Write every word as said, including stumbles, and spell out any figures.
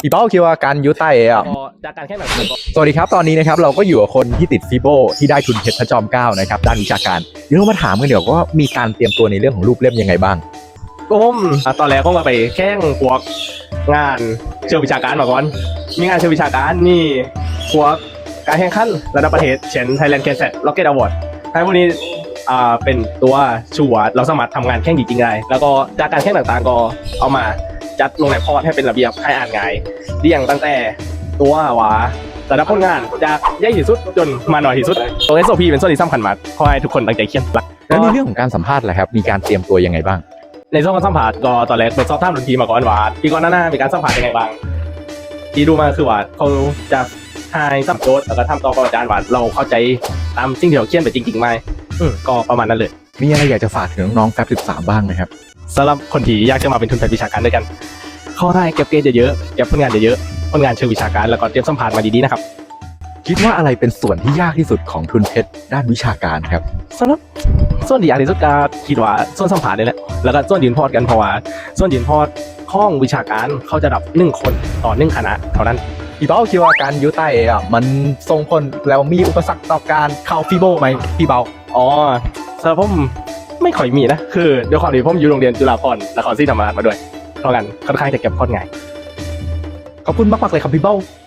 พี่เป้าคิดว่าการยุไต้อ่ะจากการแข่งขันสวัสดีครับตอนนี้นะครับเราก็อยู่กับคนที่ติดฟีโบที่ได้ทุนเพชรพระจอมเกล้านะครับด้านวิชาการเดี๋ยวเรามาถามกันเดี๋ยวว่ามีการเตรียมตัวในเรื่องของรูปเล่มยังไงบ้างก็ผมตอนแรกก็มาไปแข่งพวกงานเชิงวิชาการมาก่อนมีงานเชิงวิชาการนี่พวกการแข่งขันระดับประเทศเช่น Thailand Cancer Rocket Award ให้พวกนี้อ่าเป็นตัวชูว่าเราสามารถทำงานแข่งจริงๆได้แล้วก็จากการแข่งต่างๆก็เอามาจัดลงในพอร์ตให้เป็นระเบียบให้อ่านง่ายเรียงตั้งแต่ตัวว่าระดับผลงานจากใหญ่ที่สุดจนมาหน่อยที่สุดตัว เอส โอ พี เป็นส่วนที่สำคัญมากขอให้ทุกคนตั้งใจเขียนแล้วในเรื่องของการสัมภาษณ์แหละครับมีการเตรียมตัวยังไงบ้างในช่วงการสัมภาษณ์ก็ตอนแรกเปิดสอบถามรุ่นพี่มาก่อนว่าพี่ก่อนหน้ามีการสัมภาษณ์ยังไงบ้างที่ดูมาคือว่าเขาจะทายสัมโจทย์แล้วก็ทำต่อกับอาจารย์ว่าเราเข้าใจตามสิ่งที่เราเขียนไปจริงๆไหมก็ประมาณนั้นเลยมีอะไรอยากจะฝากถึงน้องๆแฟบสิบสามบ้างไหมครับสำหรับคนที่อยากจะมาเป็นทุนการวิชาการด้วยกันเข้าได้เก็บเกรดเยอะๆเก็บผลงานเยอะๆผลงานเชิงวิชาการแล้วก็เตรียมสัมภาษณ์มาดีๆนะครับคิดว่าอะไรเป็นส่วนที่ยากที่สุดของทุนเพชรด้านวิชาการครับสำหรับส่วนที่ยากที่สุดก็คิดว่าส่วนสัมภาษณ์นี่แหละแล้วก็ส่วนยืนพอร์ตกันเพราะว่าส่วนยืนพอร์ตข้องวิชาการเขาจะดับหนึ่งคนต่อหนึ่งคณะเท่านั้นพี่เป้าคิดว่าการยุไต้อ่ะมันส่งผลแล้วมีอุปสรรคต่อการเข้าฟีโบไหมพี่เป้าอ๋อสำหรับผมไม่ค่อยมีนะคือด้วยความที่ผมอยู่โรงเรียนจุฬาภรณ์นครศรีธรรมราชมาด้วยเพราะงั้นค่อนข้างจะเก็บข้อง่ายขอบคุณมากๆเลยครับพี่เป้า